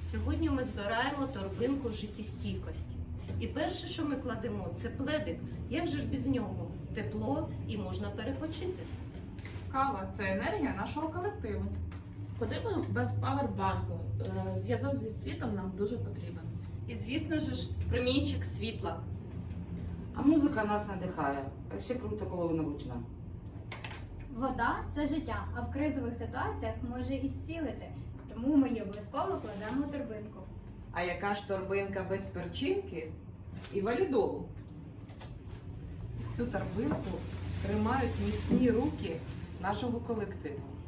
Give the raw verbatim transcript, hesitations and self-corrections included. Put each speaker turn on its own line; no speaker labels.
Сьогодні ми збираємо торбинку життєстійкості. І перше, що ми кладемо, це пледик. Як же ж без нього? Тепло і можна перепочити.
Кава – це енергія нашого колективу.
Куди ми без павербанку? Е, Зв'язок зі світом нам дуже потрібен.
І, звісно ж, промінчик світла.
А музика нас надихає. А ще круто, коли вона гучна.
Вода це життя, а в кризових ситуаціях може і зцілити. Тому ми її обов'язково кладемо у торбинку.
А яка ж торбинка без перчинки і валідолу?
Цю торбинку тримають міцні руки нашого колективу.